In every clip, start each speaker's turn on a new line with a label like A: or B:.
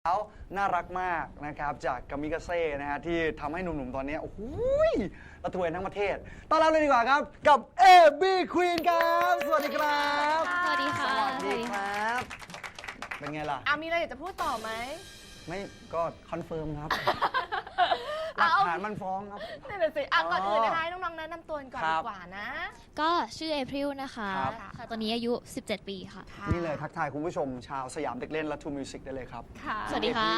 A: เขาน่ารักมากนะครับจากกามิกาเซ่นะฮะที่ทำให้หนุ่มๆตอนนี้โอ้โหระทวยทั้งประเทศต้อนรับเลยดีกว่าครับกับ AB Queen ครับสวัสดีครับ
B: สวัสดีค่ะ
A: สวัสดีครับเป็นไงล่ะ
C: มีอะไรอยากจะพูดต่อไหม
A: ไม่ก็คอนเฟิร์มครับหลักฐานมันฟ้องครับ
C: นั่นแหละสิก่อนอื่นนะคะให้น้องๆแนะนำตัวก่อน
A: ครั
C: ดี
A: บ
C: กว่านะ
B: ก็ชื่อเอพริลนะคะ
A: ครับ
B: ค่ะตอนนี้อายุ 17 ปีค่ะ
A: นี่เลยทักทายคุณผู้ชมชาวสยามเด็กเล่นและทูมิวสิกได้เลยครับ
C: ค่ะ
B: สวัสดีค่ะ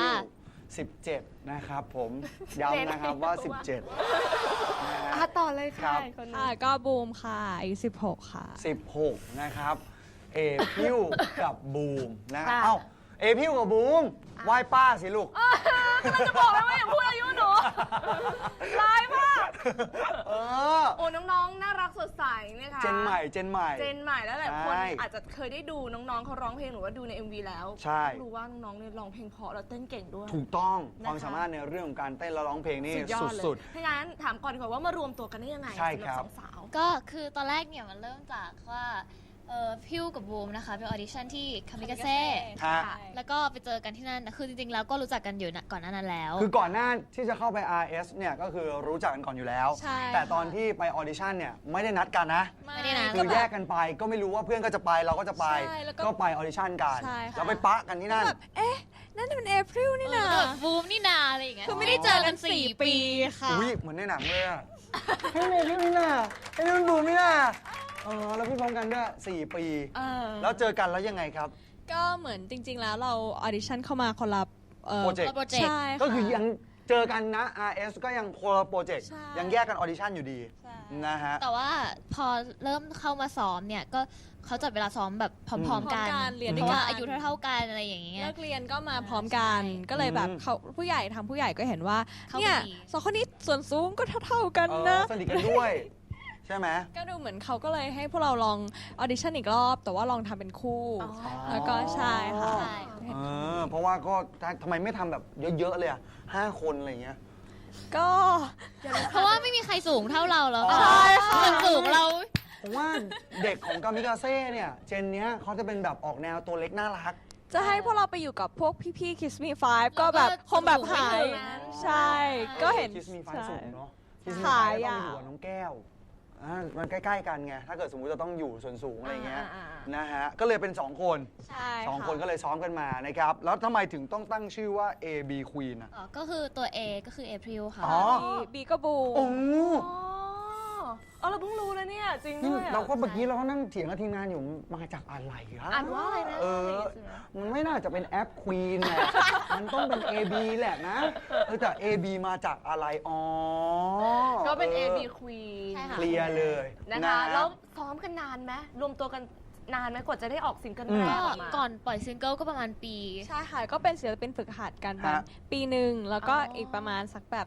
A: 17 นะครับผมย้ำนะครับว่า 17นะฮะ
C: ต่อเลย
A: ครั
C: ค่ะ
A: บ
C: คนนี้
D: ค่ะก็บูมค่ะอายุ16 ค่ะ
A: 16 นะครับเอพิวกับบูมนะ
C: ค่ะ
A: เอ้าเอพิวกับบูมไหว้ป้าสิลูก
C: กำลังจะบอกเลยว่าอย่าพูดอายุหนูร้ายมาก
A: เออ
C: โอ้น้องๆน่ารักสดใสนะคะ
A: เจนใหม่
C: เจนใหม่แล้วหลายคน
A: ใช่
C: อาจจะเคยได้ดูน้องๆเขาร้องเพลงหรือว่าดูใน MV แล้ว
A: ใช่
C: รู้ว่าน้องๆเนี่ยร้องเพลงเพราะแล้วเต้นเก่งด้วย
A: ถูกต้อง
C: นะคะ
A: ความสามารถในเรื่องของการเต้นและร้องเพลงนี่
C: สุดยอดเลย
A: สุด
C: ถ้างั้นถามก่อนดีกว่าว่ามารวมตัวกันได้ยังไง
A: ใช่
C: สำห
A: ครับ
C: สองสาว
B: ก็คือตอนแรกเนี่ยมันเริ่มจากว่าพิวกับบูมนะคะเป็นออดิชั่นที่คามิกาเซ่
A: ๆฮะ
B: แล้วก็ไปเจอกันที่นั่นคือจริงๆแล้วก็รู้จักกันอยู่ก่อนหน้านั้นแล้ว
A: คือก่อนหน้าที่จะเข้าไป RS เนี่ยก็คือรู้จักกันก่อนอยู่แล้ว
D: ใช่
A: แต่ตอนที่ไปออดิชั่นเนี่ยไม่ได้นัดกันนะ
B: ไม่ได้นะ
A: คือแยกกันไปก็ไม่รู้ว่าเพื่อนก็จะไปเราก็จะไป
D: ใช่แล้วก็
A: ก็ไปออดิชั่นกัน
D: ใช่ค่ะ
A: แล้วไปปะกันที่นั่น
D: แบบเอ๊ะ นั่นมันเอพริลนี่นะ
B: บูมนี่นาอะไรอย่างเงี้ย
D: คือไม่ได้เจอกัน 4 ปีค่ะ
A: อุ้ยเหมือนในหนังเลยอะให้เมย์พี่นี่น่ะให้นุ่นบูมนี่น่ะแล้วพี่พร้อมกันด้วย4 ปี แล้วเจอกันแล้วยังไงครับ
D: ก็เหมือนจริง ๆ แล้วเราออดิชั่นเข้ามาคนละ
A: โปรเจกต์
B: โปรเจกต์
D: ใช่ค่ะ
A: ก็คือยังเจอกันนะ RS ก็ยังคนละโปรเจกต์
D: ใช่
A: ยังแยกกันออดิชั่นอยู่ดี
D: ใช่
A: นะฮะ
B: แต่ว่าพอเริ่มเข้ามาซ้อมเนี่ยก็เขาจัดเวลาซ้อมแบบพร้อมๆกัน
D: พร้อมกันเรียน
B: เพ
D: ด้วย
B: ราะ
D: กั
B: ว่าน อายุเท่าๆกันอะไรอย่างเงี้ย
D: เลิกเรียนก็มาพร้อมกัน
B: ใช่
D: ก็เลยแบบ
A: อืม
D: เขาผู้ใหญ่ทางผู้ใหญ่ก็เห็นว่า
B: เข้า
D: เนี่ย
B: กันดี
D: สองคนนี้ส่วนสูงก็เท่าๆกันนะ
A: สนิทกันด้วย ใช่ไหม
D: ก็ดูเหมือนเขาก็เลยให้พวกเราลองออดิชั่นอีกรอบ แต่ว่าลองทำเป็นคู่ แล้วก็ใช่ค่ะ
B: ใช่
A: เพราะว่าก็ทำไมไม่ทำแบบเยอะๆเลยอะ5 คนอะไรอย่างเงี้ย
D: ก็
B: เพราะว่าไม่มีใครสูงเท่าเราแล้ว
A: อ๋อ
B: ใช่ค่ะส่วนสูงเรา
A: ผมว่าเด็กของกามิกาเซ่เนี่ยเจนเนี้ยเขาจะเป็นแบบออกแนวตัวเล็กน่ารัก
D: จะให้พวกเราไปอยู่กับพวกพี่ๆ Kiss Me Five ก็แบบคงแบบหาย ใช่ ก็เห็น
A: คิสมีไฟ
D: ใช่
A: สูงเนาะคิสมี
D: ขา
A: ไฟ
D: ย
A: ต้อง
D: อ่ะ
A: อยู่กับน้องแก้วมันใกล้ๆกันไงถ้าเกิดสมมุติจะต้องอยู่ส่วนสูงอะไรเงี้ยนะฮะก็เลยเป็น2 คน
D: ใช่
A: 2 คนก็เลยซ้อมกันมานะครับแล้วทำไมถึงต้องตั้งชื่อว่า AB Queen อ่ะ
B: ก็คือตัว A ก็คือ April ค่ะ
A: อ๋อ
D: บีก็บู
A: โอ้
C: เราเพิ่งรู้นะเนี่ยจริง
A: นี่
C: ด้วยอะ
A: เราก็เมื่อกี้เราก็นั่งเถียงกับทีมงานอยู่มาจากอะไรครับ
C: อ่านว่าอะไรนะ
A: มันไม่น่าจะเป็นแอป Queen แหละมันต้องเป็น AB แหละนะแต่ AB มาจากอะไรอ๋อ
C: ก็เป็น
A: ออ
C: AB Queen
B: ใช่ค่ะ
A: เคลียร์เลย
C: นะคะแล้วซ้อมกันนานไหมรวมตัวกันนานไหมกว่าจะได้ออกซิงเกิลแร
B: ก็
C: กออกมา
B: ก่อนปล่อยซิงเกิลก็ประมาณปี
D: ใช่ค่ะ ก็เป็นศิลปินฝึกหัดกันมาปีหนึ่งแล้วก็อีกประมาณสักแบบ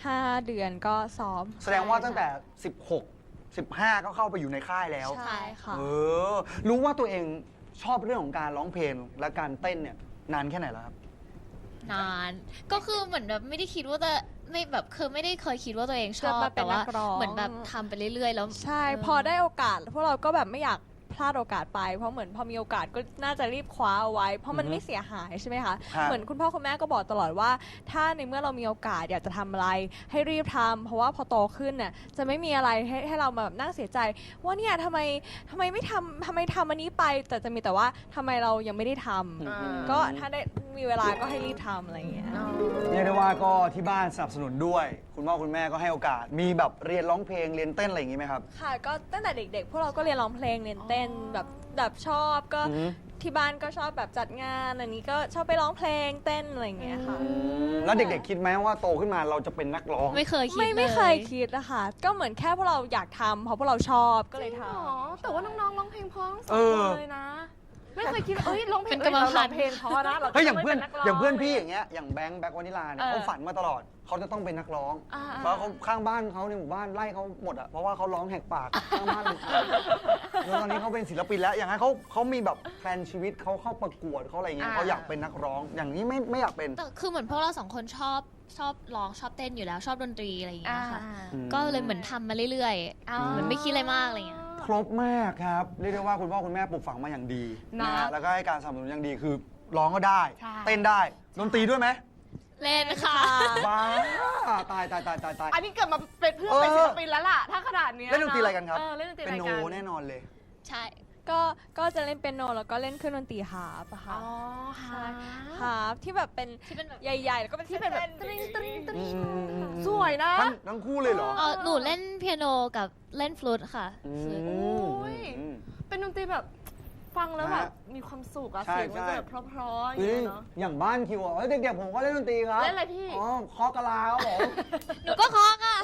D: 5 เดือนก็ซ้อม
A: แสดงว่าตั้งแต่ 16 15 ก็เข้าไปอยู่ในค่ายแล้ว
D: ใช่ค่ะ
A: รู้ว่าตัวเองชอบเรื่องของการร้องเพลงและการเต้นเนี่ยนานแค่ไหนแล้วครับ
B: นาน ก็คือเหมือนแบบไม่ได้คิดว่าจะไม่แบบคือไม่ได้เคยคิดว่าตัวเองชอบ
D: จะมาเป็น
B: แต่ว่า
D: นักร้อง
B: เหมือนแบบทำไปเรื่อยๆ แล้ว
D: ใช่ พอได้โอกาสพวกเราก็แบบไม่อยากพลาดโอกาสไป เพราะเหมือนพอมีโอกาสก็น่าจะรีบคว้าเอาไว้ เพราะมันไม่เสียหายใช่ไหมคะ
A: ฮะ
D: เหมือนคุณพ่อคุณแม่ก็บอกตลอดว่า ถ้าในเมื่อเรามีโอกาสอยากจะทำอะไร ให้รีบทำเพราะว่าพอโตขึ้นน่ะจะไม่มีอะไรให้เราแบบนั่งเสียใจ ว่าเนี่ยทำไมไม่ทำอันนี้ไป แต่จะมีแต่ว่าทำไมเรายังไม่ได้ทำก็ถ้าได้มีเวลาก็ให้รีบทำอะไรอย่างเงี้ย
A: เรียกได้ว่าก็ที่บ้านสนับสนุนด้วย คุณพ่อคุณแม่ก็ให้โอกาส มีแบบเรียนร้องเพลงเรียนเต้นอะไรอย่างงี้ไหมครับ
D: ค่ะก็ตั้งแต่เด็กๆ พวกเราก็เรียนร้องเพลงเรียนเต้นแบบชอบก็
A: อือฮึ
D: ที่บ้านก็ชอบแบบจัดงานอันนี้ก็ชอบไปร้องเพลงเต้นอะไรอย่างเงี้ยค่ะ
A: แล้วเด็กๆคิดไหมว่าโตขึ้นมาเราจะเป็นนักร้อง
B: ไม่เคยคิด
D: ไม่เคย
B: ล
D: คิดนะคะก็เหมือนแค่พวกเราอยากทำเพราะพวกเราชอบก็เลยท
C: อ๋อแต่ว่าน้องๆร้องเพลงเพราะทั้งส
A: เอ
C: อง
A: อ
C: คนเลยนะ ไม่เคยคิดว่าร้องเพลง
B: เป็นกรรมพันธุ์
C: เพลงเพราะนะเรา
A: เฮ้ยอย่างเพื่อน
C: ไม่ป็กร้
A: อย่างเพื่อนพี่อย่างเงี้ยอย่างแบงค์วานิลาเนี่ย
C: เออ
A: เขาฝันมาตลอดเขาจะต้องเป็นนักร้อง
C: อ่า
A: เพราะเขาข้างบ้านเขาในหมู่บ้านไล่เขาหมดอ่ะเพราะว่าเขาร้องแหกปากข้างบ้านแล้วตอนนี้เขาเป็นศิลปินแล้วอย่างนั้นเขามีแบบแพลนชีวิตเขาเข้าประกวดเขาอะไรเงี้ยเขาอยากเป็นนักร้อง อย่างนี้ไม่อยากเป็น
B: แต่คือเหมือนพวกเราสองคนชอบร้องชอบเต้นอยู่แล้วชอบดนตรีอะไรอย่างเงี้ยค่ะ
A: อืม
B: ก็เลยเหมือนทำมาเรื่อย
C: อ๋อ
B: ๆเหมือนไม่คิดอะไรมากอะไรเงี้ย
A: ครบมากครับเรียกได้ว่าคุณพ่อคุณแม่ปลูกฝังมาอย่างดี
C: นะ
A: นะฮะแล้วก็ให้การสนับสนุนอย่างดีคือร้องก็ได้
C: ใช่
A: เต้นได้ดนตรีด้วยไหม
B: เล่นค่ะ
A: บ้าตายตายตายตายตาย
C: อันนี้เกิดมาเป็นเพื่อนเป็นศิลปินแล้วล่ะ ถ้าขนาดเนี้ย
A: เล่นดนตรีอะไรกันครับ
C: เล่นดนตรี
A: เป็
C: อะ
A: น
C: ไร
A: โน
C: กัน
A: แน่นอนเลย
B: ใช่
D: ก็จะเล่นเปียโนแล้วก็เล่นเครื่องดนตรีฮาร์ปอะ
C: อ๋
D: ค่ะ
C: อฮะ
D: ฮาร์ปที่แบบเป็น
B: ที่เป็นแบบ
D: ใหญ่ๆ แล้วก็เป็น
C: ที่เป็นแบบ
D: ส้ๆ
C: ตริงตริงตริง
A: อืม
C: สวยนะ
A: ทั้งคู่เลยเหรอ
B: หนูเล่นเปียโนกับเล่นฟลูตค่ะ
A: อืม
B: ฟลูต
C: โอ้ย
A: อืม
C: เป็นดนตรีแบบฟังแล้ว
A: นะ
C: แบบมีความสุขอะ
A: ใช่
C: เสียงมัน
A: ใช่
C: จะแบบเพราะๆอย่าง
A: เฮ้
C: เงี้
A: ย
C: ยเนาะ
A: อย่างบ้านคิวอ่ะเฮ้ยเด็กๆผมก็เล่นดนตรีครับ
C: เล่นอะไรพี่
A: อ๋อเคาะกะลาครับผม
B: หนูก็เคาะค่ะ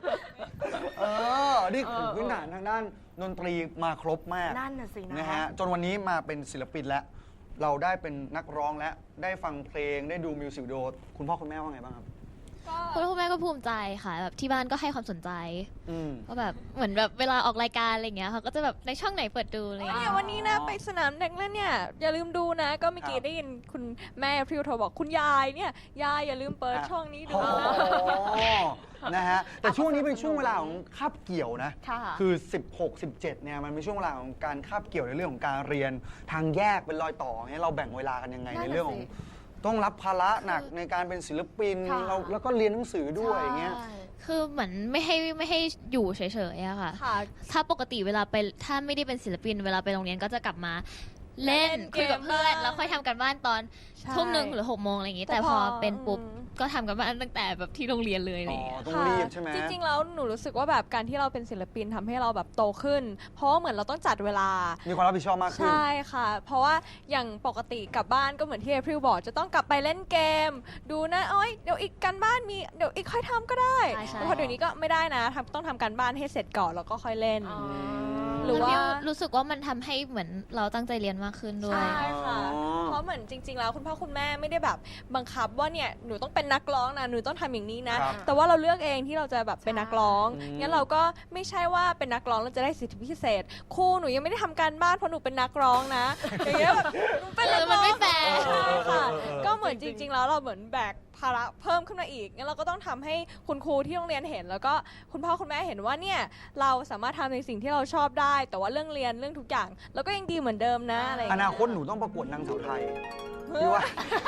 A: นี่คือพื้นฐานทางด้านดนตรีมาครบมาก
C: นั่นน่ะสินะ
A: นะฮะจนวันนี้มาเป็นศิลปินแล้ว เราได้เป็นนักร้องแล้วได้ฟังเพลงได้ดูมิวสิกวิดีโอคุณพ่อคุณแม่ว่าไงบ้างครับ
B: คุณพ่อคุณแม่ก็ภูมิใจค่ะแบบที่บ้านก็ให้ความสนใจ
A: อืม
B: ก็แบบเหมือนแบบเวลาออกรายการอะไรอย่างเงี้ยเขาก็จะแบบในช่องไหนเปิดดูอะไรอย่าง
D: เนี่
B: เงี้
D: ย
B: ย
D: วันนี้นะไปสนามเด็กเล่นเนี่ยอย่าลืมดูนะ ก็เมื่อกี้
A: ครับ
D: ได้ยินคุณแม่พริวโทรบอกคุณยายเนี่ยยายอย่าลืมเปิดช่องนี้ดู
A: โอ้
D: นะ
A: นะฮะแต่ช่วงนี้เป็นช่วงเวลาของคาบเกี่ยวนะ
C: ค่ะ
A: คือ 16 17เนี่ยมันเป็นช่วงเวลาของการคาบเกี่ยวในเรื่องของการเรียนทางแยกเป็นรอยต่อเนี่ยเราแบ่งเวลากันยังไง
C: นั่น
A: ใน
C: น่ะ
A: เรื่องของ
C: สิ
A: ต้องรับภาระหนักในการเป็นศิลปิน
C: ค่ะ
A: เราแล้วก็เรียนหนังสือด้วยอย่างเงี้ย
C: ใช่
B: คือเหมือนไม่ให้อยู่เฉยๆอะค่ะ
D: ค่ะ
B: ถ้าปกติเวลาไปถ้าไม่ได้เป็นศิลปินเวลาไปโรงเรียนก็จะกลับมา เล่น
D: เล่นเกม
B: คุยกับเพื่อน
D: บ้าง
B: แล้วค่อยทำกันบ้านตอน
D: ใช่
B: ทุ่มหนึ่งหรือ6 โมงอะไรอย่างงี้
D: แต่
B: แต่พอ
D: พอ
B: เป็นปุ๊บ
D: อืม
B: ก็ทำกันบ้านตั้งแต่แบบที่โรงเรียนเลยอะไร
A: อ๋
B: อย่าง
A: อ
B: เงี้ย
A: ต้องรีบใช่ไหม
D: จริงๆ แล้วหนูรู้สึกว่าแบบการที่เราเป็นศิลปินทำให้เราแบบโตขึ้น เพราะว่าเหมือนเราต้องจัดเวลา
A: มีความรับผิดชอบมากขึ้น
D: ใช่ค่ะ เพราะว่าอย่างปกติกลับบ้านก็เหมือนที่เอพริลบอกจะต้องกลับไปเล่นเกม ดูนะเอ้ยเดี๋ยวอีกการบ้านมีเดี๋ยวอีกค่อยทำก็ได้
B: ใช่ใช่
D: แต่พอเดี๋ยวนี้ก็ไม่ได้นะต้องทำการบ้านให้เสร็จก่อนแล้วก็ค่อยเล่น
C: อ๋อ
D: หรือว่า
B: แล้วพี่รู้สึกว่ามันทำให้เหมือนเราตั้งใจเรียนมากขึ้นด้วย
D: ใช่ค่ะ
A: อ๋อ
D: เพราะเหมือนจริง ๆ แล้วคุณพ่อคุณแม่ไม่ได้แบบบังคับว่าเนี่ยหนูต้องเป็นนักร้องนะหนูต้องทำอย่างนี้นะ
A: ครับ
D: แต่ว่าเราเลือกเองที่เราจะแบบเป็นนักร้อง
A: อืม
D: งั้นเราก็ไม่ใช่ว่าเป็นนักร้องแล้วจะได้สิทธิพิเศษครูหนูยังไม่ได้ทำการบ้านเพราะหนูเป็นนักร้องนะอย่างเงี้ยแบบหนูเป็นนักร้อง
B: มันไม่แฟร์
D: ใช่ค่ะ
A: เออ
D: ก็เหมือนจริง ๆ แล้วเราเหมือนแบกภาระเพิ่มขึ้นมาอีกงั้นเราก็ต้องทำให้คุณครูที่โรงเรียนเห็น แล้วก็คุณพ่อคุณแม่เห็นว่าเนี่ยเราสามารถทำในสิ่งที่เราชอบได้ แต่ว่าเรื่องเรียนเรื่องทุกอย่างเราก็ยังดีเหมือนเดิมนะอะไรอย่าง
A: อ
D: เงี้ย
A: นาคตหนูต้องประกวดนางสาวไทยพี่ว่า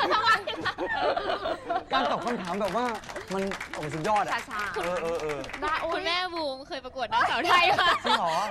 A: การตอบคำถามแบบว่ามันโอ้สุดยอดอ่ะ
C: ช้า
A: เออ
C: ๆได้โอ้ย
B: คุณแม่บูมเคยประกวดนางสาวไทยค่ะ
A: จริงเหรอ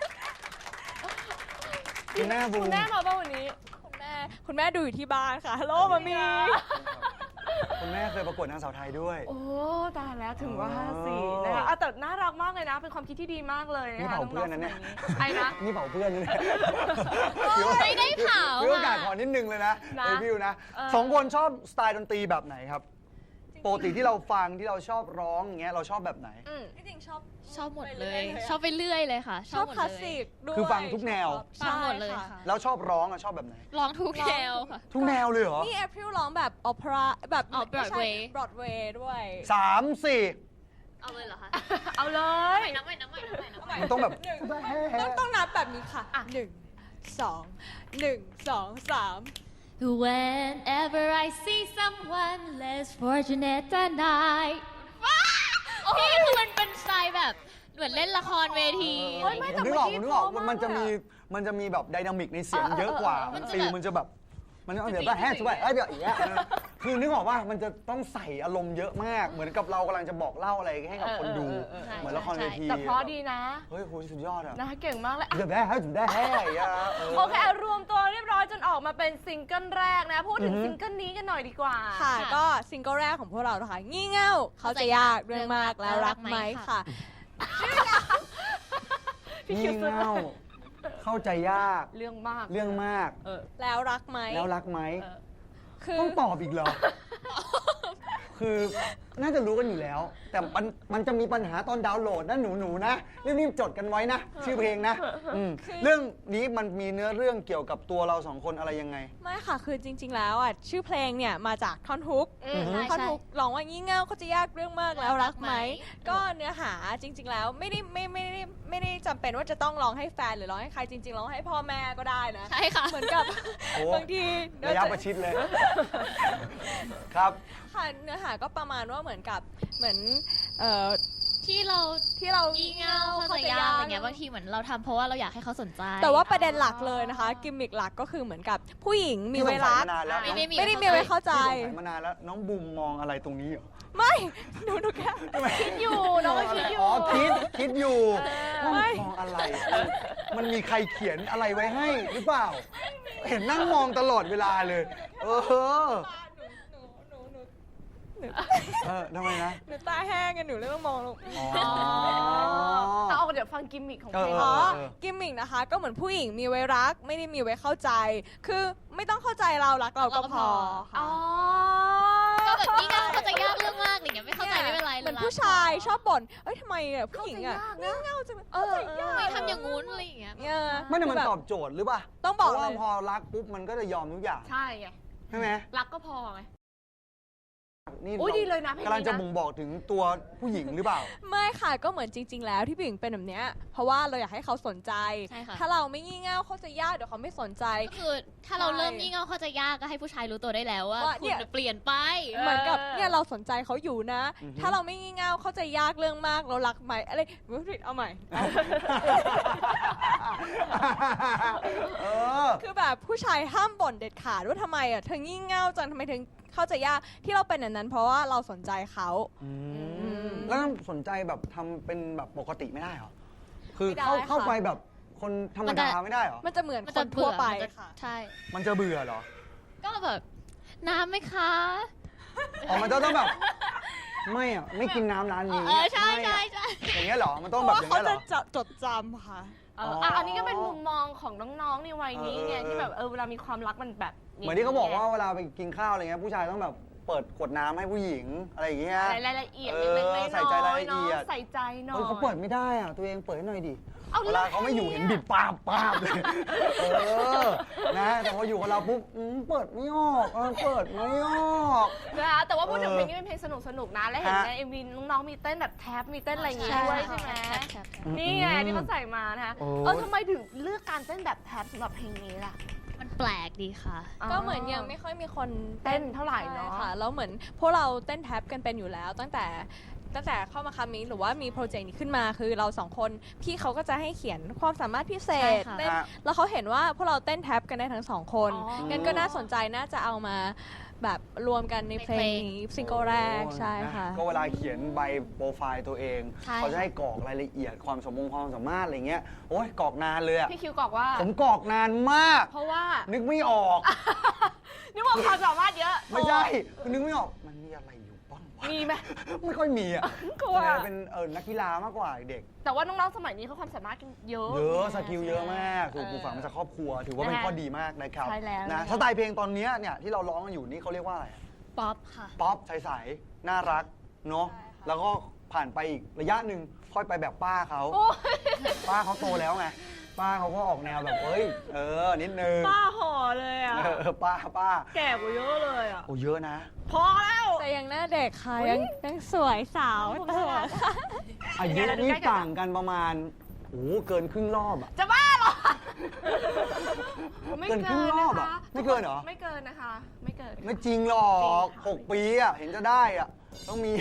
A: คุณแม่บูม
C: คุณแม่มาป่ะวันนี้
D: คุณแม่ดูอยู่ที่บ้านค่ะฮัลโหลมามี
A: คุณแม่เคยประกวดนางสาวไทยด้วย
C: โอ้ตายแล้วถึงว่า
A: อ๋อ
C: สินะคะแต่น่ารักมากเลยนะ เป็นความคิดที่ดีมากเลย
A: นี่
C: นะคะ
A: เผาเพื่อนนะเนี่ย
C: ไอ้นะ
A: นี่เผาเพื่อนนะเนี่ย
B: ไม่ได้เผา
A: ถือโอกาส
B: อะ
A: ขอนิดนึงเลยนะ
C: นะ
A: เอวิวนะ
C: เออ
A: สองคนชอบสไตล์ดนตรีแบบไหนครับปกติที่เราฟังที่เราชอบร้องอย่างเงี้ยเราชอบแบบไหน
C: อืม
D: ที่จริงชอบ
B: หมดเลย ชอบไปเรื่อยเลยค่ะ
D: ชอบ
B: หมด
D: คลาส
B: เลย
D: สิกด้วย
A: คือฟังทุกแนว
B: ฟังหมดเลย
D: ใช่
B: ค่ะ
A: แล้วชอบร้องอะชอบแบบไหน
B: ร้องทุกแนวค่ะ
A: ทุกแนวเลยเหรอ
D: นี่แอพริลร้องแบบออเปร่าแบบ
B: อ๋อ Broadway
D: บรอดเวย์ด้วย
A: 3 4
B: เอาเลยเหรอคะ
C: เอาเลย
B: น้ำใหม่น้ำใหม่น้ำใหม่น้ำใหม่
A: มันต้องแบบ
D: ต้องนับแบบนี้ค่ะหนึ่งสองหนึ่งสองสาม
B: Whenever I see someone less fortunate than I พี่คือมันเป็นสไตล์แบบเหมือนเล่นละครเวที
C: โอ้ยไม่
A: ผมนึกออกมันจะมีแบบไดนามิกในเสียงเยอะกว่า
B: มันจะ
A: ฟิล
B: แบบ
A: มันจะแบบมันเดี๋ยวแบบแฮชไปเดี๋ยวอีกแล้วคือนึกออกว่ามันจะต้องใส่อารมณ์เยอะมาก เหมือนกับเรากำลังจะบอกเล่าอะไรให้กับคนดู เหมือนละครเวที
C: แต่เพราะดีนะ
A: เฮ้ยคุณสุดยอดอะ
C: นะคะเก่งมากเลย
A: เดี๋ยวได้ให้ถึงได้แฮ่อะ
C: โอเค รวมตัวเรียบร้อยจนออกมาเป็นซิงเกิลแรกนะ พูดถึงซิงเกิลนี้กันหน่อยดีกว่า
D: ค่ะ ก็ซิงเกิลแรกของพวกเรานะคะงี่เง่าเขาจะยากเรื่องมากแล้วรักไหมค่ะ
C: พี่
A: งี่
C: คิวซื้อ
A: เง่าเข้าใจยาก
C: เรื่องมาก
A: เรื่องมาก
D: แล้วรักไหม
A: แล้วรักไหม
D: คือ
A: ต้องตอบอีกเหรอ คือน่าจะรู้กันอยู่แล้ว แต่มันจะมีปัญหาตอนดาวน์โหลดนะหนูๆนะรีบๆจดกันไว้นะ ชื่อเพลงนะเรื่องนี้มันมีเนื้อเรื่องเกี่ยวกับตัวเราสองคนอะไรยังไง
D: ไม่ค่ะ คือจริง ๆ แล้วอ่ะชื่อเพลงเนี่ยมาจากท่อนฮุก
C: อืม
B: ใช่
D: ท่อนฮุกร้องว่างี่เง่าเขาจะยากเรื่องมากแล้วรักไหม ก็เนื้อหาจริง ๆ แล้วไม่ได้จำเป็นว่าจะต้องร้องให้แฟนหรือร้องให้ใครจริง ๆร้องให้พ่อแม่ก็ได้นะ
B: ใช่ค่ะ
D: เหมือนกับ
A: โอ้
D: บางที
A: ระยะประชิดเลย ครับ
D: ค่ะเนื้อหาก็ประมาณว่าเหมือนกับเหมือน
B: ที่เรา งี่เง่าเข้าใจยากอะไรเงี้ยบางทีเหมือนเราทำเพราะว่าเราอยากให้เขาสนใจ
D: แต่ว่าประเด็นหลักเลยนะคะ กิมมิกหลักก็คือเหมือนกับผู้หญิงมีไว้รัก
A: ที่สงสัยมานานแล้ว
B: ไม่ได้มี
D: ไม่ได้มีไว้เข้าใจ
A: ที่สงสัยมานานแล้วน้องบูมมองอะไรตรงนี้เหรอ
D: ไม่หนูแค่
C: คิดอยู่น้องก็คิดอยู่
A: อ๋อคิดอยู่ว่า
D: ไม่
A: มันมองอะไรมันมีใครเขียนอะไรไว้ให้หรือเปล่า เห็นนั่งมองตลอดเวลาเลย เออทำไมนะ
D: หนูตาแห้งกันหนูเลยต้องมองลง
A: อ๋อ
C: เอาเดี๋ยวฟังกิมมิคของเพลง
D: อ๋อ
A: เออ
D: กิมมิกนะคะ ก็เหมือนผู้หญิงมีไว้รัก ไม่ได้มีไว้เข้าใจ คือไม่ต้องเข้าใจเรารักเราก็พอ
C: อ๋อ
D: ค่ะ
B: ก็แบบงี่เง่าเข้าใจยากเรื่องมากอะไรเงี้ยไม่เข้าใจไม่เป็นไร
D: เหมือน
B: รัก
D: ผู้ชายชอบบ่นเอ้ยทำไมอ่ะผู้หญิงอ่ะ
C: เข้าใจยากนะ
D: เง่าจังเลย
C: เออ
D: เข้าใจยาก
B: ทำไมทำอย่างงู้นอะไรอย่างเงี้ย
D: เนี่ย
A: ไม่ได้มัน
D: แบบ
A: ตอบโจทย์หรือเปล่า
D: ต้องบอก
A: เพราะว่า
D: เลย
A: พอรักปุ๊บมันก็จะยอมทุกอย่าง
C: ใช่ไง
A: ใช่ไหม
C: รักก็พอไง
A: นี่
C: อุ๊ยดีเลยนะเพลงนี้นะ
A: กำลังจะบ่งบอกถึงตัวผู้หญิงหรือเปล่า
D: ไม่ค่ะก็เหมือนจริง ๆ แล้วที่ผู้หญิงเป็นแบบเนี้ยเพราะว่าเราอยากให้เขาสนใจ
B: ใช่ค่ะ
D: ถ้าเราไม่งี่เง่าเข้าใจยากเดี๋ยวเขาไม่สนใจ
B: ก็คือถ้าเราเริ่มงี่เง่าเข้าใจยากก็ให้ผู้ชายรู้ตัวได้แล้วว่า
D: ว่า
B: คุ
D: เนี่
B: ณ
D: ย
B: เปลี่ยนไป
D: เหมือนกับเนี่ยเราสนใจเขาอยู่นะ
A: อือฮึ
D: ถ้าเราไม่งี่เง่าเข้าใจยากเรื่องมากเรารักไหมอะไรเอาใหม่
A: เออ
D: คือแบบผู้ชายห้ามบ่นเด็ดขาดว่าทำไมอ่ะเธองี่เง่าจังทำไมถึงเข้าใจยากที่เราเป็นอย่างนั้น เพราะว่าเราสนใจเขา
A: แล้วสนใจแบบทำเป็นแบบปกติไม่ได้เหรอ คือ
D: ไม่ได้
A: เข้า
D: ค่ะ
A: ไปแบบคนธรรมดาไม่ได้เหรอ
D: มันจะเหมือน
B: มัน
D: ค
B: จะ
D: นทั่วไป
B: เบื่อมันจะ
D: ค่ะ
B: ใช่
A: มันจะเบื่อเหรอ
B: ก็แบบน้ำไหมคะ
A: อ๋อมันจะต้องแบบ ไม่อ่ะ ไม่กินน้ำร้านนี้
B: ใช่
A: ไม่
B: ใช่
A: อะ
B: ใช่
A: อย่างเงี้ยเหรอ มันต้อง
D: เพ
A: แบบ
D: ราะ
A: อย่าง
D: ว่าเขา
A: เงี้ยเหร
D: จะ
A: อ
D: จดจำค่ะ
C: อันนี้ก็เป็นมุมมองของน้องๆในวัยนี้ไง
A: เออ
C: ที่แบบเวลามีความรักมันแบบ
A: เหมือนที่เขาบอกว่าเวลาไปกินข้าวอะไรเงี้ยผู้ชายต้องแบบเปิดขวดน้ำให้ผู้หญิงอะไรอย่างเงี้ย
C: รายละเอียด
A: เอ
C: เล็ก
A: อ
C: ๆ
A: ใส่ใจรายละเอียด
C: ใส่ใจหน่อย
A: เฮ้ยเขาเปิดไม่ได้อ่ะ ตัวเองเปิดให้หน่อยดิ
C: เอา
A: เวลาเขาไม่อยู่เห็นบิดปาบเลยเออนะแต่พออยู่กับเราปุ๊บเปิดไม่ออกเปิดไม่ออก
C: นะคะแต่ว่าพูดถึง
A: เออ
C: เพลงนี้เป็นเพลงสนุกๆนะ และเห็น
A: ฮะ
C: ใน MV น้องๆมีเต้นแบบแท็บมีเต้นอะไรอย่างงี้
B: ใช่
C: ด้วยใช่ไหม
B: ใช่
C: นี่ไงที่เขาใส่มานะคะ
A: โอ้
C: ทำไมถึงเลือกการเต้นแบบแท็บสำหรับเพลงนี้ล่ะ
B: มันแปลกดีค่ะ
D: ก็เหมือนยังไม่ค่อยมีคน
C: เต้นเท่าไหร่เนาะ
D: ใช่ค่ะแล้วเหมือนพวกเราเต้นแท็บกันเป็นอยู่แล้ว ตั้งแต่เข้ามาคามิหรือว่ามีโปรเจกต์นี้ขึ้นมาคือเราสองคนพี่เขาก็จะให้เขียนความสามารถพิเศษ
B: ใช่ค่ะ
D: เต้น
A: ฮะ
D: แล้วเขาเห็นว่าพวกเราเต้นแท็บกันได้ทั้งสองคน
C: อ๋อ
D: งั้นก็น่าสนใจน่าจะเอามาแบบรวมกันในเพลงนี้ซิงเกิลแรกใช่ค่ะ
A: ก็เวลาเขียนใบโปรไฟล์ตัวเอง
B: ใช่
A: เขาจะให้กรอกรายละเอียดความความสามารถอะไรเงี้ย โอ้ยกรอกนานเลยอะ
C: พี่คิวบอกว่า
A: ผมกรอกนานมาก
C: เพราะว่า
A: นึกไม่ออก
C: นี่ว่าความสามารถเยอะ
A: ไม่ใช่นึกไม่ออก มันมีอะไรอยู่บ้างวะ
C: มีไหม
A: ไม่ค่อยมีอ่ะ
C: กลัว
A: เป็นนักกีฬามากกว่าเด็ก
C: แต่ว่าน้องๆสมัยนี้เขาความสามารถกันเยอะ
A: เยอะสกิลเยอะมากถูกปลูกฝังมาจากครอบครัว ถือว่าเป็นข้อดีมากนะครับ
C: ใช่แล้ว
A: นะสไตล์เพลงตอนเนี้ยเนี่ยที่เราร้องกันอยู่นี่เขาเรียกว่าอะไรอะ
B: ป๊อปค่ะ
A: ป๊อปใสๆน่ารักเนาะแล้วก็ผ่านไปอีกระยะหนึ่งค่อยไปแบบป้าเขา
C: โอ้ย
A: ป้าเขาโตแล้วไงป้าเขาก็ออกแนวแบบเฮ้ยนิดนึง
C: ป้าห่อเลยอ่ะ
A: ป้า
C: แก่กว่าเยอะเลยอ่ะ
A: โอ้เยอะนะ
C: พอแล้ว
D: แต่ยังหน้าเด็กค่ะ
C: อุ๊ย
D: ยังสวยสาว
C: ผม
D: เต๋
C: น่า
D: อ
C: รัก
D: ค่ะ
A: อายุนี่ต่างกันประมาณโอ้เกินครึ่งรอบอะ
C: จะบ้าเหรอ
A: เกินครึ่งรอบอะไม่เกินเหรอ
C: ไม่เกินนะคะ ไม่เกิน
A: ไม่จริงหรอก
C: จริงค่ะ
A: 6 ปีอะเห็นจะได้อะต้องมี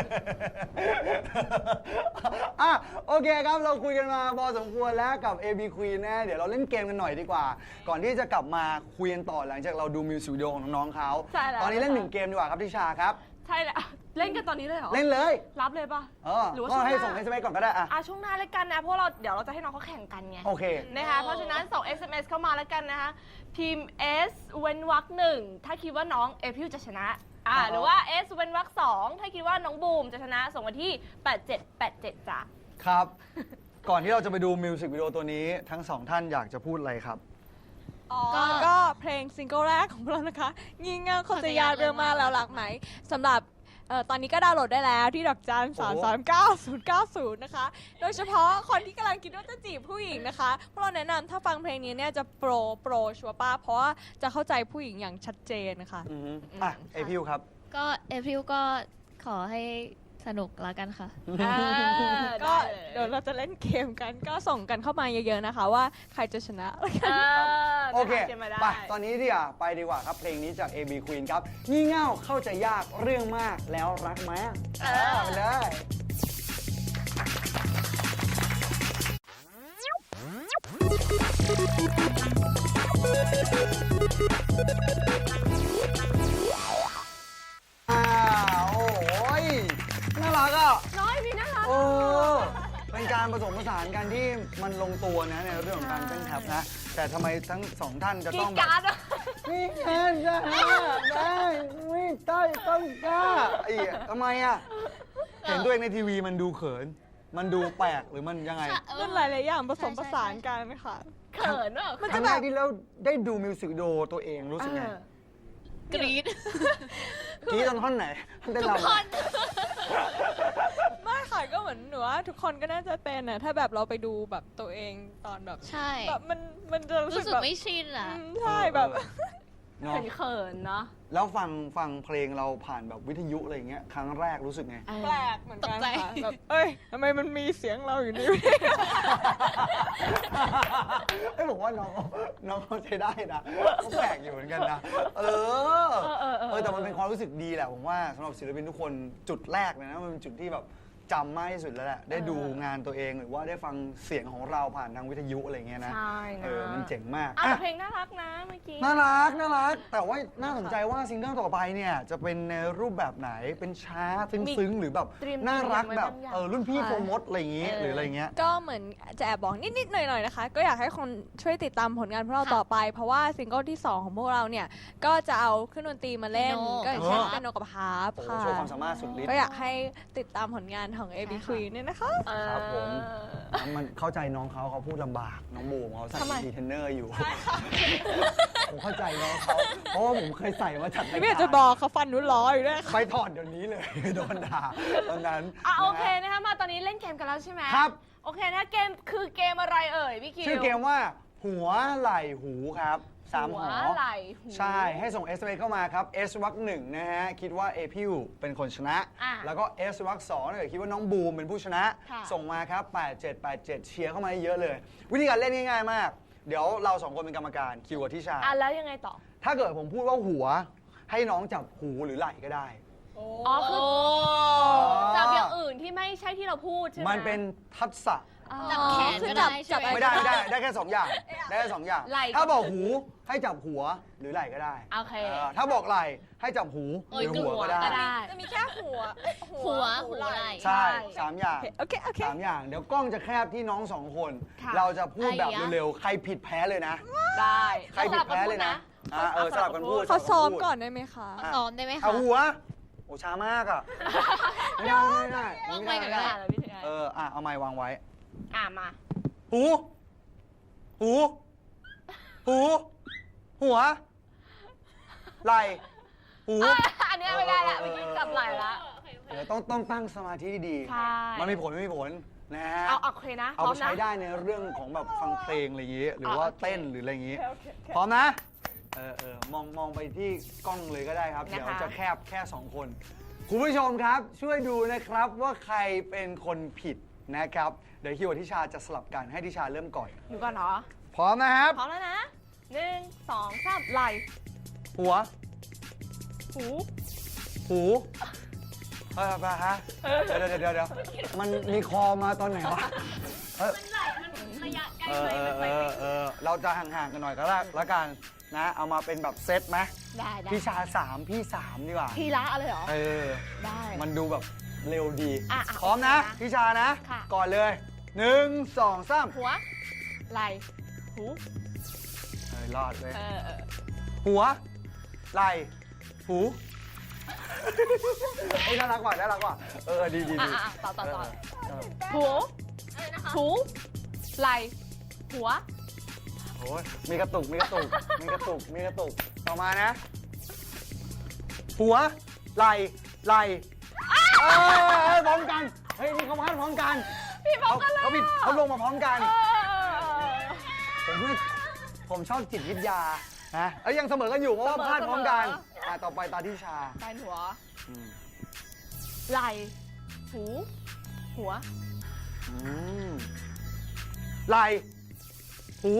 A: อ่ะโอเคครับเราคุยกันมาพอสมควรแล้วกับ AB Queen นะเดี๋ยวเราเล่นเกมกันหน่อยดีกว่า ก่อนที่จะกลับมาคุยกันต่อหลังจากเราดูมิวสิกวิดีโอของน้องๆเขา
C: ใช่แล้ว
A: ตอนนี้เล่น1 เกมดีกว่าครับทิชาครับ
C: ใช่แล้วเล่นกันตอนนี้เลยเหรอ
A: เล่นเลย
C: รับเลยปะ หรือว่า
A: ก็ให้
C: ช่วงหน้า
A: ส่ง SMS ก่อนก็ได้อะ
C: ช่วงหน้าแล้วกันนะ เพราะเดี๋ยวเราจะให้น้องเขาแข่งกันไง
A: โอเค
C: นะคะ เพราะฉะนั้นส่ง SMS เข้ามาแล้วกันนะคะพิมพ์ S เว้นวรรคหนึ่งถ้าคิดว่าน้องเอพิวจะชนะหรือว่า S เว้นวรรคสองถ้าคิดว่าน้องบูมจะชนะ ส่งมาที่ 8787จ้ะ
A: ครับ ก่อนที่เราจะไปดูมิวสิกวิดีโอตัวนี้ทั้งสองท่านอยากจะพูดอะไรครับ
D: ก็เพลงซิงเกิลแรกของเรานะคะงี่เง่าเข้าใจยากเรื่องมากแล้วรักไหมสำหรับตอนนี้ก็ดาวน์โหลดได้แล้วที่ดอกจัน 339 090 นะคะ โดยเฉพาะคนที่กำลังคิดว่าจะจีบผู้หญิงนะคะพวกเราแนะนำถ้าฟังเพลงนี้เนี่ยจะโปรชัวร์ป้าเพราะว่าจะเข้าใจผู้หญิงอย่างชัดเจนนะคะ
A: เอพิวครับ
B: ก็เอพริลก็ขอให้สนุกแล้วกันค่ะ
D: ก็เดี๋ยวเราจะเล่นเกมกันก็ส่งกันเข้ามาเยอะๆนะคะว่าใครจะชนะ
A: โอเค
C: เกมมาได้
A: ไป ตอนนี้ดีกว่าไปดีกว่าครับ เพลงนี้จาก AB Queen ครับ งี่เง่าเข้าใจยากเรื่องมากแล้วรักไหมไปเลยโอ้ยน่ารักอ่ะ
C: น้อยพี่น่ารัก
A: เออเป็นการผสมผสานกันที่มันลงตัวนะในเรื่องของการเต้นแท็บนะ แต่ทำไมทั้งสองท่านจะ
C: กี
A: ต้องแบบ
C: การ์ดอะ
A: นี่แอนจะได้ไม่ใต้ต้องกล้าไอ้ทำไมอ่ะ เห็นตัวเองในทีวีมันดูเขิน มันดูแปลกหรือมันยังไง
D: มันหลายๆอย่างผสมผสานกันค่ะ
C: เขินว่ะ
A: ครั้งแรกที่เราได้ดูมิวสิกวิดีโอตัวเองรู้สึกไง
B: กรี๊ด
A: ที่ตอนท่อนไหนท่อนเต้น
B: ทุก
A: รำ
B: ค
A: อะ
B: น
D: ไม่ค่ะก็เหมือนหนูว่าทุกคนก็น่าจะเป็นนะถ้าแบบเราไปดูแบบตัวเองตอนแบบ
B: ใช่
D: แบบมันจะรู้
B: รู้
D: สึ
B: สึ
D: ก
B: ก
D: แบบ
B: ไม่ชินอ่ะ
D: ใช่แบบ
A: เนาะ
C: เขินๆเนาะ
A: แล้วฟังเพลงเราผ่านแบบวิทยุอะไรอย่างเงี้ยครั้งแรกรู้สึกไง
D: แปลกเหมือนกัน
B: ตกใจ
D: ค่ะแบบเอ้ยทำไมมันมีเสียงเราอยู่นี่
A: ไอ้ยบอกว่าน้องเขาใช้ได้นะเขาแปลกอยู่เหมือนกันนะ แต่มันเป็นความรู้สึกดีแหละผมว่าสำหรับศิลปินทุกคนจุดแรกเลยนะมันเป็นจุดที่แบบจำมากที่สุดแล้วแหละได้ดูงานตัวเองหรือว่าได้ฟังเสียงของเราผ่านทางวิทยุอะไรเงี้ยนะ
C: ใช่นะ
A: มันเจ๋งมาก
C: อ่ะ
A: อ่ะ
C: แต่เพลงน่ารักนะเมื่อกี้
A: น่ารักแต่ว่าน่าสนใจว่าซิงเกิลต่อไปเนี่ยจะเป็นในรูปแบบไหนเป็นช้าซึ้งๆหรือแบบ
C: เตรียม
A: น่ารัก
C: ไว้
A: แบบ
C: บางอย่าง
A: รุ่นพี่โฟร์มดอะไรอย่างงี้หรืออะไรเงี้ย
D: ก็เหมือนจะแอบบอกนิดๆหน่อยๆนะคะ ก็อยากให้คนช่วยติดตามผลงานพวกเราต่อไป เพราะว่าซิงเกิลที่ 2 ของพวกเราเนี่ย ก็จะเอาเครื่องดนตรีมาเล่น
B: เปียโน
D: ก็อย่างเช่นเป็นโนกับฮาร์ป
A: โอ้โห
D: ค่ะ
A: โชว์ความสามารถสุดฤทธิ์
D: ก็อยากให้ติดตามผลงานของ AB Queen เนี่ยนะคะ
A: ครับผม มันเข้าใจน้องเขาพูดลำบากน้องบูมเขาใส่
C: ทำไม
A: ดีเทนเนอร์อยู่ ผมเข้าใจน้องเขาเพราะว่าผมเคยใส่มาจัดราย
D: ไม่อยาก
A: กา
D: จะ
A: ร
D: บอกเขาฟันนุ่นล้ออยู่ด้วย
A: ไปถอดเดี๋ยวนี้เลย โดนด่าตอนนั้น
C: โอเค
A: นะ
C: นะคะมาตอนนี้เล่นเกมกันแล้วใช่ไหม
A: ครับ
C: โอเคนะเกมคือเกมอะไรเอ่ยพี่คิว
A: ชื่อเกมว่าหัวไหล่หูครับสาม
C: หั
A: ห
C: ว
A: อ
C: ไหล่หู
A: ใช่ให้ส่ง SMS เข้ามาครับ S วักหนึ่งนะฮะคิดว่าเอพิวเป็นคนชนะ
C: อ่ะ
A: แล้วก็ S วักสองถ้าเกิดคิดว่าน้องบูมเป็นผู้ชนะ
C: ค่ะ
A: ส่งมาครับ 8787 เชียร์เข้ามาเยอะเลย วิธีการเล่นง่ายๆมาก เดี๋ยวเราสองคนเป็นกรรมการคิวกับทิชา
C: แล้วยังไงต่อ
A: ถ้าเกิดผมพูดว่าหัว ให้น้องจับหูหรือไหล่ก็ได้
C: อ๋อคือจับอย่างอื่นที่ไม่ใช่ที่เราพูดใช่ไหม
A: มันเป็นทักษะ
B: จับแขนก็ได้ใช่ไหม
A: ไม่ได้ได้แค่2อย่างได้แค่2อย่าง
C: ไหล่
A: ถ้าบอกหูให้จับหัวหรือไหล่ก็ได้
C: โอเค
A: ถ้าบอกไหล่ให้จับหู
B: โอ้
A: ห
B: ย
A: รือหัวก็ได้
C: ก็ได้
D: จะมีแค่หัว
B: หัวไหล่
A: ใช่
C: ใช่
A: 3 อย่าง
D: โอเค โอเค
A: 3 อย่าง เดี๋ยวกล้องจะแคบที่น้อง2 คน
C: ค่ะ
A: เราจะพูดแบบ
B: ไอ้ยะ
A: เร็วๆ ใครผิดแพ้เลยนะ
C: ได้
A: ใครผิดแพ้เลยนะสลับกันพูด
D: เขาซ้อมก่อนได้ไหมคะ
B: ซ้อมได้ไหมคะ
A: เอาหัว โอ้ช้ามากอ่ะ ไม่ได้ไม่ได้
B: วาง
A: ไม่
B: ไว้
A: ได้
B: ก่อน
A: ไม่ได้
B: ก็ได้
C: พี่ถึงไง
A: เอาไม้วางไว้
C: มา
A: หู หู หู หัว ไหล่ หู
C: อันนี้ไม่ได้ละเมื่อกี้จับไหล่ละ
A: เดี๋ยวต้องตั้งสมาธิดี
C: ใช่
A: มันมีผลไม่มีผลนะฮะ
C: โอเคนะพ
A: เอา
C: ร้อ
A: ไป
C: ม
A: ใช้
C: นะ
A: ได้ในเรื่องของแบบฟังเพลงอะไรอย่างงี้ หรือว่า
C: โอเค
A: เต้นหรืออะไรอย่างงี้ พร้อมนะ มองไปที่กล้องเลยก็ได้ครับ
C: นะคะ
A: เดี๋ยวจะแคบแค่ 2 คน คุณผู้ชมครับ ช่วยดูนะครับว่าใครเป็นคนผิดนะครับ เดี๋ยวคิวกับทิชาจะสลับกันให้ทิชาเริ่มก่อน
C: ดูก่อนเนาะ
A: พร้อมนะครับ
C: พร้อมแล้วนะ1 2 3ไหล่
A: หัว
C: หู
A: หูไปฮะเดี๋ยวมันมีคอมาตอนไหนวะ
C: ระยะใกล้
A: เราจะห่างๆกันหน่อยก็แล้วกันนะ เอามาเป็นแบบเซตไหม
C: ได้
A: พี่ชา3พี่3ดีกว่า
C: ทีละอะไรเหรอ ได้
A: มันดูแบบเร็วดี
C: อ่ะ
A: พร้อมนะ
C: โอเคนะ
A: พี่ชานะ
C: ค่ะ
A: ก่อนเลย 1 2 3
C: หัวไหล่หู
A: รอดเลย
C: เออ
A: หัว ไหล่ หูเฮ้ยน่ารักกว่าดี
C: ต่อหูหูไหล่หัว
A: โอ้ยมีกระตุกต่อมานะ หัว ไหล่พร้อมกัน เฮ้ยนี่เขาพลาดพร้อมกัน
C: พี่บอกกันเลย
A: เขาผิดเขาลงมาพร้อมกัน ผมชอบจิตวิทยานะยังเสมอกันอยู่เพราะว่าพลาดพร้อมกันต่อไปตาที่ชา
C: ปลายหัวไหล่หูหัว
A: ไหล่หู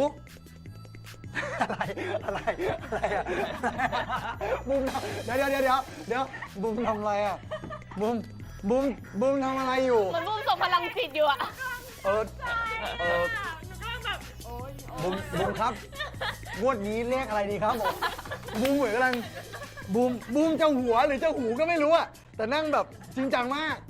A: อะไรอะบูมเดี๋ยวบูมทำอะไรอ่ะบูมทำอะไรอยู่
C: มันบุ้มส่งพลังจิตอยู่อะ
A: เออบูมครับงวดนี้เลขอะไรดีครับผมบูมเหมือนกำลังบูมจะหัวหรือจะหูก็ไม่รู้อะแต่นั่งแบบจริงจังมาก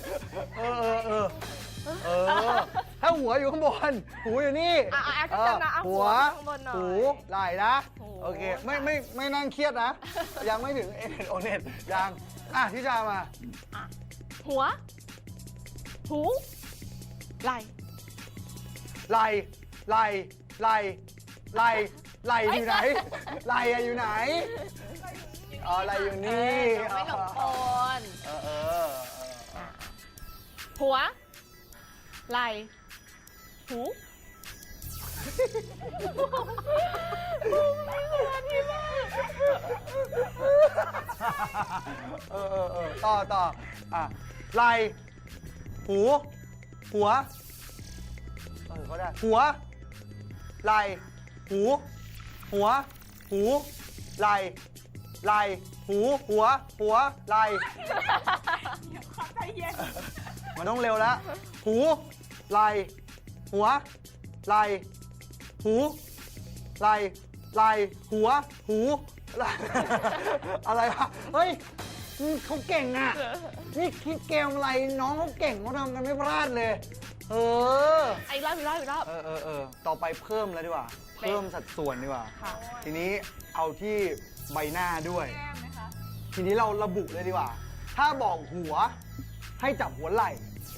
A: ถ้าหัวอยู่ข้างบนหูอยู่นี่
C: แอคชั่นนะเอาหั
A: หั
C: ว
A: ว
C: ข้างบนหน่อย
A: หูไหล่นะ
C: หู
A: โอเคไม่นั่งเครียดนะ ยังไม่ถึงเอเน็ตโอเน็ตยังที่จามา
C: หัว หูไหล่
A: ไหล่อยู่ไหนไหล่อะอยู่ไหนอ๋อไหล่อยู่นี่
C: ไม่หลงกล
A: เออ
C: หัว ไหล่ หู
A: ต่อไหล่หูหัวเขาได้หัวไหล่หูหัวหูไหล่หูหัวไหล่มันต้องเร็วแล้วหูไหล่หัวไหล่หูไหล่หัวหูไหล่อะไรวะเฮ้ยเขาเก่งอ่ะนี่คิดเกมอะไรน้องเขาเก่งเขาทำกันไม่พลาดเลย
C: อีกรอบ
A: ต่อไปเพิ่มแล้วดีกว่าเพิ่มสัดส่วนดีกว่า
C: ค่ะ
A: ทีนี้เอาที่ใบหน้าด้วยทีนี้เราระบุเลยดีกว่า ถ้าบอกหัวให้จับหัวไหล่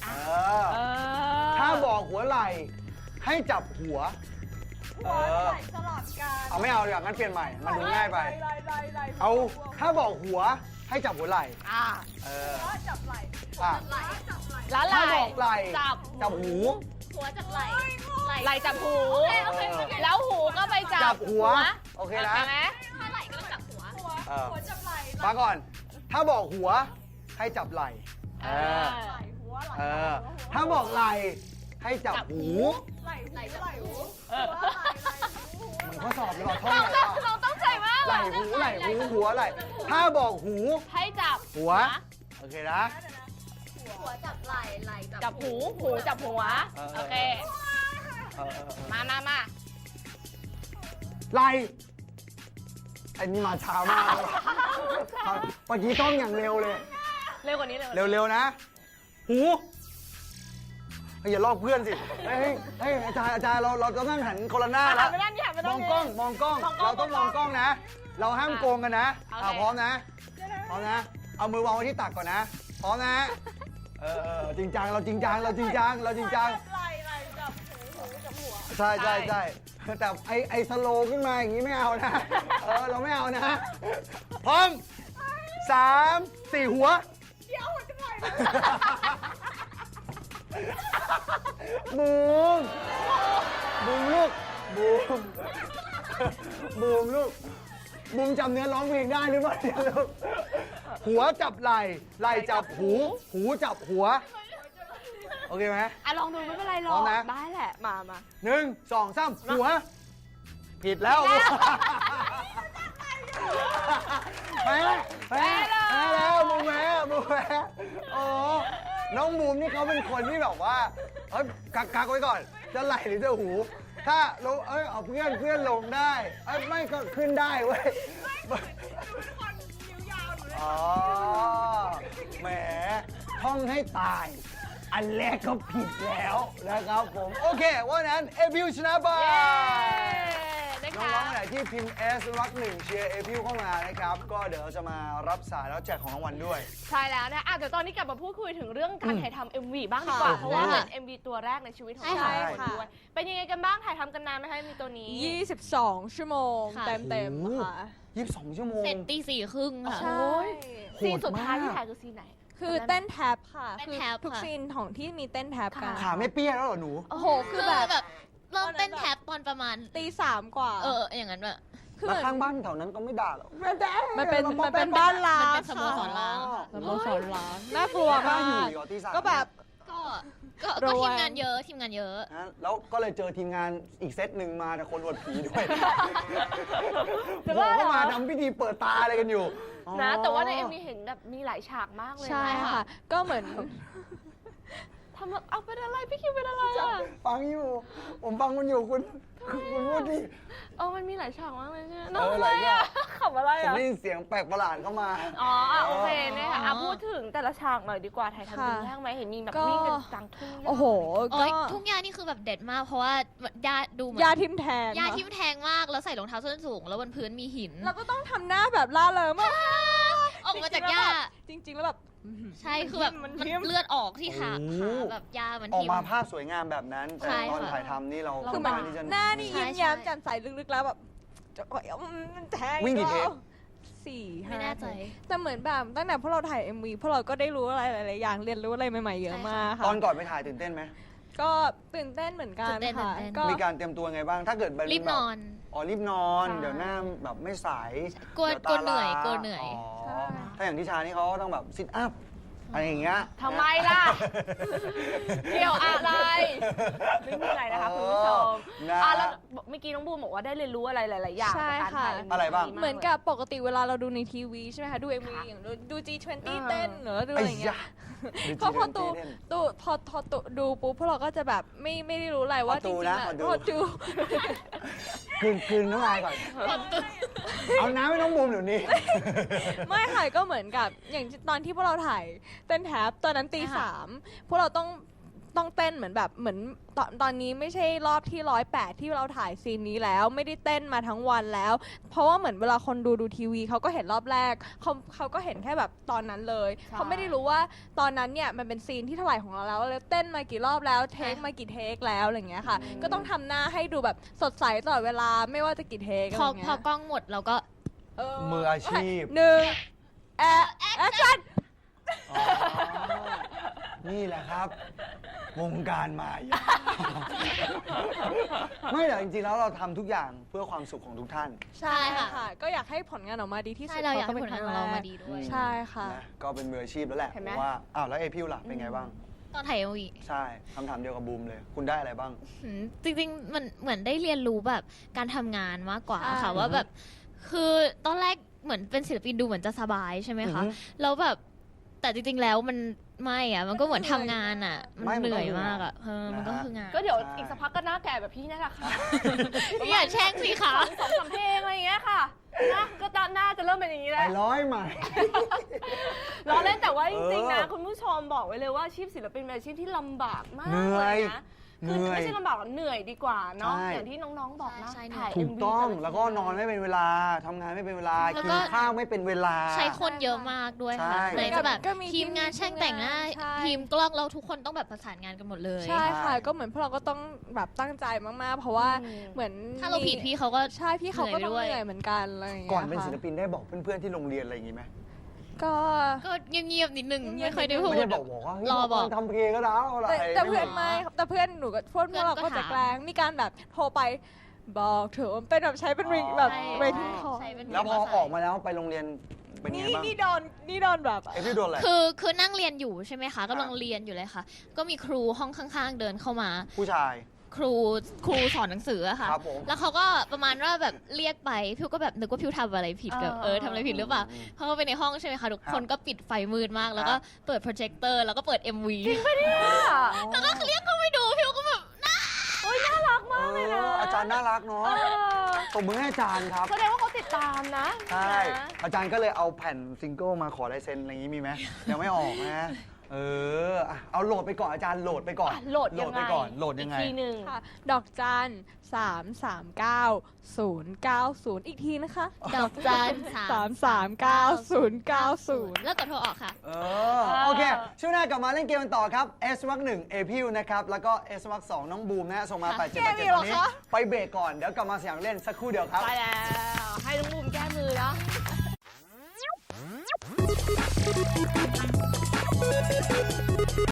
A: ถ้าบอกหัวไหล่ให้จับหัว
D: ไหล่สลับกัน
A: เอาไม่เอาดีกว่างั้นเปลี่ยนใหม่มันดูง่ายไปเอาถ้าบอกหัวให้จับหัวไหล่
D: จับไหล่
C: แล้วไห
A: ถ้า
C: ล่
A: บอกไหล่
C: จับ
A: หู
B: หัวจับไหล่
C: ไหล่จับหู
B: โอเค
C: แล้วหูก็ไปจั
A: จับหัวโอเคนะ
C: ไหม
B: ถ้าไหล่ก็ต้องจับหัว
D: หัวจับไหล่
A: ฟังก่อน ถ้าบอกหัวให้จับไหล่ถ้าบอกไหล่ให้จับหู
D: ไหล่หู
A: เหมือนข้อสอบเลยว่ะท่อง
C: เราต้องใจมาก
A: ไหล่หูหัวไหล่ถ้าบอกหู
C: ให้จับ
A: หัวโอเคนะ
B: หัวจับไหล่ ไหล่
C: จับหู หูจับหัว โอเค มา
A: ไหล่ไอ้นี่มาช้ามากเลยเมื่อกี้ต้องอย่างเร็วเลย
C: เร็วกว่านี้เลย
A: เร็วๆนะ หูอย่าลอกเพื่อนสิเฮ้ยอาจารย์เราต้องนั่งหันคนละหน้าแล้ว
C: ไม่ได้นี่หันไม่
A: ม
C: ได้
A: องกล้องเราต้องมองกล้องนะ เราห้ามโกงกันนะพร้อมนะเอามือวางไว้ที่ตักก่อนนะพร้อมนะจริงจังเราจริงจัง
D: ไหล่จับหูจับหัว
A: ใช่แต่ไอสโลขึ้นมาอย่างนี้ไม่เอานะเราไม่เอานะพร้อม3 4หัว
D: เดี๋ยวหัวจับไหล่
A: บูมลูกบูมจำเนื้อร้องเพลงได้หรือเปล่าเนี่ยลูกหัวจับไหล่จับหูจับหัวโอเคไหม
C: ลองดูไม่เป็นไรหร
A: พร้
C: อ
A: อก มนะ
C: ได้แหละมา
A: 1 2 3หัวผิดแล้วแพ้แล้วบูมแพ้โอ้น้องบูมนี่เขาเป็นคนที่แบบว่ากักไว้ก่อนจะไหลหรือจะหู ถ้าลงเอาเพื่อนลงได้ไม่ก็ขึ้นได้เว้ยอ๋อแหมท่องให้ตาย อันแรกก็ผิดแล้วนะครับผมโอเควันนั้นเอพิวชนะไปน้องๆไหนที่พิมพ์ S รัก1เชียร์เอพิวเข้ามานะครับก็เดี๋ยวเราจะมารับสายแล้วแจกของรางวัลด้วย
C: ใช่แล้วนะเดี๋ยวตอนนี้กลับมาพูดคุยถึงเรื่องการถ่ายทำ MV บ้างดีกว่า เพราะว่าเป็น MV ตัวแรกในชีวิตของเราด้วยเป็นยังไงกันบ้างถ่ายทำกันนานไหมคะมีตัวนี้
D: 22 ชั่วโมง
B: ค่ะ
D: เต็มๆค่ะ
A: 22 ชั่วโมง
B: เสร็จตี 4:30 ค่ะ
D: ใช่
C: ซีนสุดท้ายที่ถ่ายคือซีนไหน
D: คือเต้นแท็บค่ะ
B: เต้น
D: คือ
B: แท็บ
D: ทุก
B: ค่ะ
D: ซีนของที่มีเต้นแท็บกัน
A: ขาไม่เปี้ยแล้วเหรอหนู
D: โอ้โห คื
B: คือ อ
D: แบบ
B: แบบเริ่มเต้นแท็บตอนประมาณ
D: ตี 3 กว่า
B: อย่างนั้นแบบ
D: คือ
A: แล้วข้างบ้านแถวนั้นก็ไม่ด่าหรอก
D: มันเป็นบ้านล้าง
B: มันเป็นสโมสรล้าง
D: สโมสรล้างน่ากลัว
A: กล้าม
D: าก
A: อยู่เหรอตีสาม
D: ก็แบบ
B: ก็
D: ระแวง
B: ทีมงานเยอะ
A: นะแล้วก็เลยเจอทีมงานอีกเซตหนึ่งมาแต่คนอวดผีด้วย
C: จะ
A: บอ
C: ว่าก เหรอ
A: ว่ามาทำพิธีเปิดตาอะไรกันอยู่
C: นะแต่ว่าใน MV เห็นแบบมีหลายฉากมากเลย
D: ใช่
C: น
D: ค่ะ ก็เหมือน
C: ทำเอาเป็นอะไรพี่คิวเป็นอะไรอ่ะ
A: ฟังอยู่ ผมฟังคุณอยู่คุณพูดดิ
C: มันมีหลายฉากมากเลยใช่ไหม
A: เออหลายฉาก
C: ขำอะไร
A: ผม
C: อ่ะ
A: ได้ยินเสียงแปลกประหลาดเข้ามา
C: อ๋อโอเคนะคะพูดถึงแต่ละฉากหน่อยดีกว่าถ่ายทำเป็นยากไหมเห็นมีแบบวิ่งกันกลางทุ่งหญ้า
D: โอ้โห
B: โอ้
D: ก็
B: ยทุ่งหญ้านี่คือแบบเด็ดมาก เพราะว่าหญ้าดูเหมือน
D: ยาทิมแทง
B: หญ้าทิ่มแทงมากแล้วใส่รองเท้าส้นสูง แล้วบนพื้นมีหิน
D: เราก็ต้องทำหน้าแบบล่าเริงมาก
B: ออกมาจากหญ้า
D: จริง ๆ แล้วแบบ
B: ใช่คือแบบ
D: มัน
B: มัน
D: ทิ่ม
B: เลือดออกที่ขา
A: โอ้โห
B: แบบหญ้ามัน
A: ออก
B: ทิ่ม
A: มาภาพสวยงามแบบนั้น แต่
B: ใช่
A: ตอน
B: ค่ะ
A: ถ่ายทำนี่เรา
D: คือมัน
A: ค่ที่จะ
D: หน้านี่
B: ใช่
D: ยิ้มแย้ม
B: ใช่
D: แจ่มใสลึกๆแล้วแบบจะมันแทง
A: วิ่งกี่เทป
D: สี่
B: ไม่แน่ใจ
D: แต่เหมือนแบบตั้งแต่พวกเราถ่าย MV พวกเราก็ได้รู้อะไรหลายๆอย่างเรียนรู้อะไรใหม่ๆเยอะมากค่ะ
A: ตอนก่อนไปถ่ายตื่นเต้นไหม
D: ก็ตื่นเต้นเหมือนกัน
B: ตื่นเต้น
D: ค่ะ
B: ตื่นเต้น
D: ก็
A: มีการเตรียมตัวไงบ้าง ถ้าเกิดแบบ
B: รีบนอน
A: อ๋อรีบนอน
D: ใช่
A: เดี๋ยวหน้าแบบไม่ใส
B: กลัว
A: ดี๋ตาก
B: ลัวเหนื่อย
A: ล้าก
B: ลัวเหนื่อย
D: ใช่
A: ถ้าอย่างที่ชานี่เขาต้องแบบซิทอัพอะไรอย่างเงี้ย
C: ทำไมล่ะ เกี่ยวอะไร ไม่มีอะไรนะคะคุณผู้ชม
A: นะ
C: แล้วเมื่อกี้น้องบูมบอกว่าได้เรียนรู้อะไรหลาย ๆ อย่าง
D: ใช่
C: จากการถ่าย
D: ค่ะ
C: MV
A: อะไรบ้าง
C: ดี
D: เหมือนกับปกติเวลาเราดูในทีวีใช่ไหมคะดู MV
C: ค่ะ
D: อย่างดู G20
C: อ่า
D: เต้นหรือดู
A: ไอ้
D: อะไรอย่างเงี้
A: ยะ
D: ย
A: ดู
D: พอพอ
A: จี
D: ตู
A: เล่น
D: ตูพอตูดูปุ๊บพวกเราก็จะแบบไม่ได้รู้อะไรว่า
A: พอ
D: จ
A: ตู
D: ริงๆ
A: นะ
D: อะ
A: พอดู
D: พอดู
A: คืนน้ำลายก่อน เอาน้ำให้น้องบูมเดี๋ยวนี้
D: ไม่ค่ะก็เหมือนกับอย่างตอนที่พวกเราถ่ายเต้นแท็บตอนนั้นตี
B: อ่าฮะ
D: สามพวกเราต้องเต้นเหมือนแบบเหมือนตอนนี้ไม่ใช่รอบที่108ที่เราถ่ายซีนนี้แล้วไม่ได้เต้นมาทั้งวันแล้ว เพราะว่าเหมือนเวลาคนดูทีวีเขาก็เห็นรอบแรกเขาก็เห็นแค่แบบตอนนั้นเลยเขาไม่ได้รู้ว่าตอนนั้นเนี่ยมันเป็นซีนที่เท่าไหร่ของเราแล้วเต้นมากี่รอบแล้วเทคมากี่เทคแล้วอะไรอย่างเงี้ยค่ะ ก็ต้องทำหน้าให้ดูแบบสดใสตลอดเวลาไม่ว่าจะกี่เทคอะไร
B: พ
D: อ
B: อย่าง
D: เงี้
B: พอย กล้องหมดเราก็
A: มืออาชีพ
D: หนึ่งแอคชั่น
A: อ๋อนี่แหละครับ วงการมายา ไม่แต่จริงๆแล้วเราทำทุกอย่างเพื่อความสุขของทุกท่าน
D: ใช่
B: ค่ะ
D: ค่ะ ก็อยากให้ผลงานออกมาดีที่สุ
B: ใช่
D: ด
B: เราอยาก
D: พะ
B: ให้ผลงานของเรามาดีด้วย
D: ใช่ค่ะ
A: นะก็เป็นมืออาชีพแล้วแหละ
C: เห็น
A: ผ
C: ไหม
A: มว่าอ้าวแล้วเอพิวล่ะเป็นไงบ้าง
B: ตอนถ่าย MV
A: ใช่คำถามเดียวกับบูมเลย คุณได้อะไรบ้าง
B: จริงๆมันเหมือนได้เรียนรู้แบบการทำงานมากกว่า
D: ใช่
B: ค่ะว่าแบบคือตอนแรกเหมือนเป็นศิลปินดูเหมือนจะสบายใช่ไหมคะ
A: อือฮึ
B: แล้วแบบแต่จริงๆแล้วมันไม่อะมันก็เหมือนทำงานอะมันเหนื่อยมากอะมันก็คืองาน
C: ก็เดี๋ยวอีกสักพักก็หน้าแก่แบบพี่นี่แหละค่ะ
B: อย่าแช่งสิคะ
C: สองสามเพลงอะไรอย่างเงี้ยค่ะนะก็หน้าจะเริ่มเป็นอย่างนี้แห
A: ไป
C: ละ
A: ร้อยใหม่
C: ล้อเล่นแต่ว่าจริงๆนะ
A: เออ
C: คุณผู้ชมบอกไว้เลยว่าอาชีพศิลปินเป็นอาชีพที่ลำบากมาก
A: เหนื่
C: เล
A: อย
C: ยนะคือไม่ใช่ลำบากหรอกเหนื่อยดีกว่าเนาะ
A: ใช่
C: อย่างที่น้องๆบอกนะ
B: ใช่
C: ถ่าย
A: ถูก
C: MV
A: ต้อง
C: ต่ะ
A: แล้วก็นอนไม่เป็นเวลาทำงานไม่เป็นเวลา
B: แล้ว
A: กิ
B: ก็
A: นข้าวไม่เป็นเวลา
B: ใช้คนเยอะมากด้วยค่ะ
A: ใช่
B: ไหนจะแบบ
D: ก็มี
B: ทีมงานช่างแต่งหน้า
D: ใช่
B: ทีมกล้องเราทุกคนต้องแบบประสานงานกันหมดเลย
D: ใช่ค่ะ ก็เหมือนพวกเราก็ต้องแบบตั้งใจมากๆ เพราะว่าเหมือน
B: ถ้าเราผิดพี่เขาก็
D: ใช่พี่เขาก็ต้อง
B: เหนื่อยไปด้วย
D: เหนื่อยเหมือนกันอะไรอย่างเงี้ย
A: ก่อนเป็น
D: ค่ะ
A: ศิลปินได้บอกเพื่อนๆที่โรงเรียนอะไรอย่างงี้ไหม
D: ก็
B: ก็เงียบๆนิดนึง
D: เงียบๆ
B: ไม่ค่อยได้พูด
A: ไม่ได้บอกว่าเฮ้ย
B: รอบอก
A: ทำเพลงก็ได้อะไร
D: แต่เพื่อนไม่แต่เพื่อนหนูก็พวก
B: เพื่อน
D: เรา
B: ก็
D: ก็จะ
B: ถาม
D: แกล้งมีการแบบโทรไปบอกเถอะเป็นแบบใช้เป็นริงแบบ
B: ใช่
D: เวทีคอ
B: ใช่เป็น
A: แล้วพอออกมาแล้วไปโรงเรียนเป็นไง
D: นี่
A: บ้าง
D: นี่โดนแบบ
A: เอพิวโดนอะไร
B: คือนั่งเรียนอยู่ใช่ไหมคะกำลังเรียนอยู่เลยค่ะ ก็มีครูห้องข้างๆ เดินเข้ามา
A: ผู้ชาย
B: ครูสอนหนังสืออะค่ะ
A: ครับผม
B: แล้วเขาก็ประมาณว่าแบบเรียกไปพิวก็แบบนึกว่าพิวทำอะไรผิดกับทำอะไรผิดหรือเปล่าเขาก็ไปในห้องใช่ไหมคะทุกคนก็ปิดไฟมืดมาก แล้วก็เปิดโปรเจคเตอร์แล้วก็เปิด MV แล้วก็เรียกเขาไปดูพิวก็แบบ
A: อาจารย์น่ารักเนาะตบมือให้อาจารย์ครับ
C: แสดงว่าเขาติดตามนะ
A: ใช่
C: นะ
A: อาจารย์ก็เลยเอาแผ่นซิงเกิลมาขอลายเซ็นอะไรอย่างนี้มีไหมยังไม่ออกนะ อ่ะเอาโหลดไปก่อนอาจารย์โหลดไปก่อน
C: โหลดยังไง
A: ไปก่อนโหลดยังไง
C: อีกทีหนึ่ง
D: ค่ะดอกจัน339 090 อีกทีนะคะ
B: ดอกจัน
D: 339 090
B: แล้วกดโทรออกค่ะ
A: โอเค ช่วงหน้ากลับมาเล่นเกมกันต่อครับ S วักหนึ่งเอพิวนะครับ แล้วก็ S วักสองน้องบูมนะฮะส่งมา
B: ค่ะ
A: 8 7 8 7ตอนนี้ ไปเบรกก่อน เดี๋ยวกลับมาเสียงเล่นสักครู่เดียวครับ
C: ไปแล้ว ให้น้องบูมแก้มือเนาะ